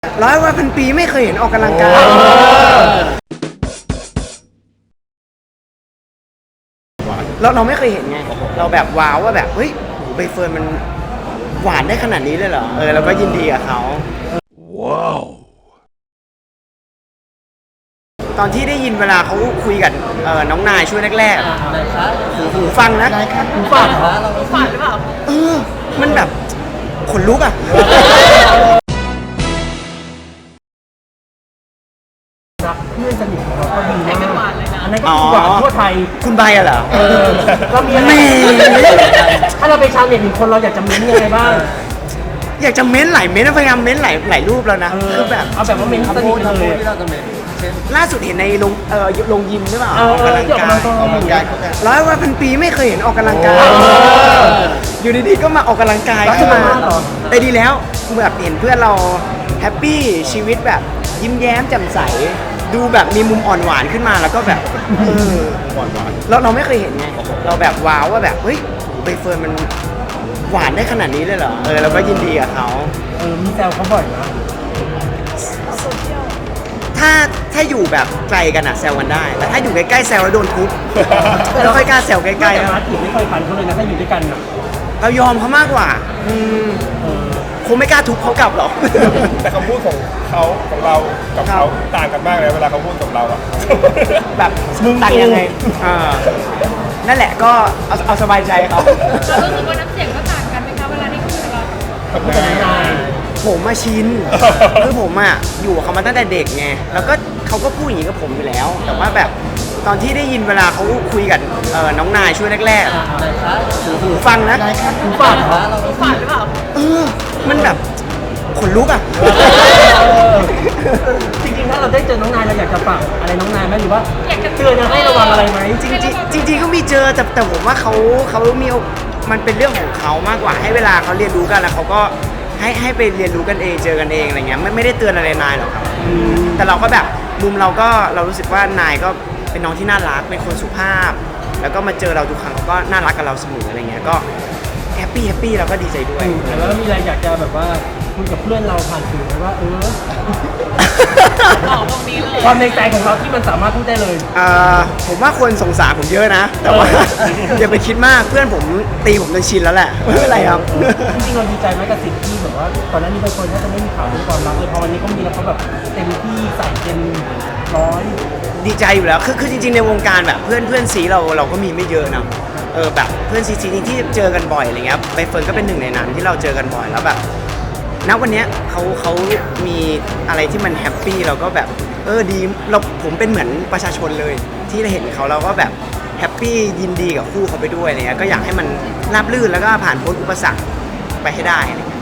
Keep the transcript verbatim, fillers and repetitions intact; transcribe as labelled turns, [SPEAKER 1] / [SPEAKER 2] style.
[SPEAKER 1] ร้อยวันพันปีไม่เคยเห็นออกกำลังกายเราเราไม่เคยเห็นไงเราแบบว้าวว่าแบบเฮ้ยใบเฟิร์นมันหวานได้ขนาดนี้เลยเหรอเออเราก็ยินดีกับเขาว้าวตอนที่ได้ยินเวลาเขาคุยกับน้องนายช่วยแรกๆหูหูฟังนะหูฟังเราฟังหรือเปล่าเออมันแบบขนลุกอ่ะ
[SPEAKER 2] เพื่อนสนิทของเราก็ดีมากอันนั้นก็คือหวานทั่วไทย
[SPEAKER 1] คุณใบอะเหรอ
[SPEAKER 2] เออเรามีอะไรถ้าเราไปชาวเน็ตหนึ่งคนเราอยากจะเม้นยังไงบ้าง
[SPEAKER 1] อยากจะเม้นหลายเม้นพยายามเม้นหลายหลายรูปแล้วนะคือแบบ
[SPEAKER 2] เอาแบบว่าเม้นสนิทเลย
[SPEAKER 1] ล่าสุดเห็นในลงเออลงยิมหรือเปล่า
[SPEAKER 2] ออกกำลังกายออกกำลังกาย
[SPEAKER 1] ร้อยวันพันปีไม่เคยเห็นออกกำลังกายอยู่ดีๆก็มาออกกำลังกายขึ้นมาแต่ดีแล้วแบบเห็นเพื่อนเราแฮปปี้ชีวิตแบบยิ้มแย้มแจ่มใสดูแบบมีมุมอ่อนหวานขึ้นมาแล้วก็แบบเออเราเราไม่เคยเห็นไงเราแบบว้าวว่าแบบเฮ้ยใบเฟิร์นมันหวานได้ขนาดนี้เลยเหรอเออเราก็ยินดีกับเขา
[SPEAKER 2] เออมีแซวเขาบ่อยนะ
[SPEAKER 1] ถ้าถ้าอยู่แบบไกลกันอะแซวกันได้แต่ถ้าอยู่ใกล้ๆแซวแล้วโดนทุบเราค่อยกล้าแซวใกล้ๆ
[SPEAKER 2] นะไม่เคยฝันเขาเลยนะถ้าอยู่ด้วยกันนะ
[SPEAKER 1] เรายอมเขามากกว่าอืมคงไม่กล้าทุบเขากลับหรอก
[SPEAKER 3] แต่คำพูดของเขาของเรากับเขาต่างกันมากเลยเวลาเขาพูดกับเราอะ
[SPEAKER 1] แบบมึงต่างยังไงอ่านั่นแหละก็เอาเอาสบายใจเขา
[SPEAKER 4] เรารู้สึกว่าน้ำเสียงก็ต่างกันไหมคะเวลาที่คุยกับเรา
[SPEAKER 2] กับผู้ชาย
[SPEAKER 1] ผมมาชินคือผมอะอยู่กับเขามาตั้งแต่เด็กไงแล้วก็เขาก็พูดอย่างนี้กับผมอยู่แล้วแต่ว่าแบบตอนที่ได้ยินเวลาเขาคุยกับน้องนายช่วยแรกๆหูหูฟังนะ
[SPEAKER 2] หูฟัง
[SPEAKER 4] เราฟังหรือเปล่า
[SPEAKER 1] เออมันแบบขนลุกอ่ะ
[SPEAKER 2] จริงๆถ้าเราได้เจอน้องนายเราอยากจะฝากอะไรน้องนายไหมหรือว่าเตือนจะให้ระวังอะไรไหม
[SPEAKER 1] จริงจริงจริงก็มีเจอแต่แต่ผมว่าเขาเขามีมันเป็นเรื่องของเขามากกว่าให้เวลาเขาเรียนรู้กันแล้วเขาก็ให้ให้ไปเรียนรู้กันเองเจอกันเองอะไรเงี้ยไม่ไม่ได้เตือนอะไรนายหรอกครับแต่เราก็แบบมุมเราก็เรารู้สึกว่านายก็เป็นน้องที่น่ารักเป็นคนสุภาพแล้วก็มาเจอเราทุกครั้งเขาก็น่ารักกับเราเสมออะไรเงี้ยก็แฮปปี้แฮปปี้เราก็ดีใจด้วย
[SPEAKER 2] แล้วมีอะไรอยากจะแบบว่าคุยกับเพื่อนเราผ่านสื่อไหมว่าเออ
[SPEAKER 4] บอกตรงนี้เลย
[SPEAKER 2] ความในใจของเราที่มันสามารถพูดได้เลย
[SPEAKER 1] อ่าผมว่าคนสงสารผมเยอะนะแต่ว่าอย่าไปคิดมากเพื่อนผมตีผมจนชินแล้วแหละไม่เป็นไรครับ
[SPEAKER 2] จริงๆเราดีใจไหมกับสิ่งที่แบบว่าตอนนั้นมีบางคนถ้าจะไม่มีข่าวเรื่องความรักเลยพอวันนี้เขามีแล้วเขาแบบเต็มที่ใส่เต็มร้อย
[SPEAKER 1] ดีใจอยู่แล้วคือคือจริงๆในวงการแบบเพื่อนเพื่อนซีเราเราก็มีไม่เยอะนะเออแบบเพื่อนซีซีที่เจอกันบ่อยอะไรเงี้ยใบเฟิร์นก็เป็นหนึ่งในนั้นที่เราเจอกันบ่อยแล้วแบบณวันนี้เขาเขามีอะไรที่มันแฮปปี้เราก็แบบเออดีเราผมเป็นเหมือนประชาชนเลยที่เราเห็นเขาเราก็แบบแฮปปี้ยินดีกับคู่เขาไปด้วยอะไรเงี้ยก็อยากให้มันราบรื่นแล้วก็ผ่านพ้นอุปสรรคไปให้ได้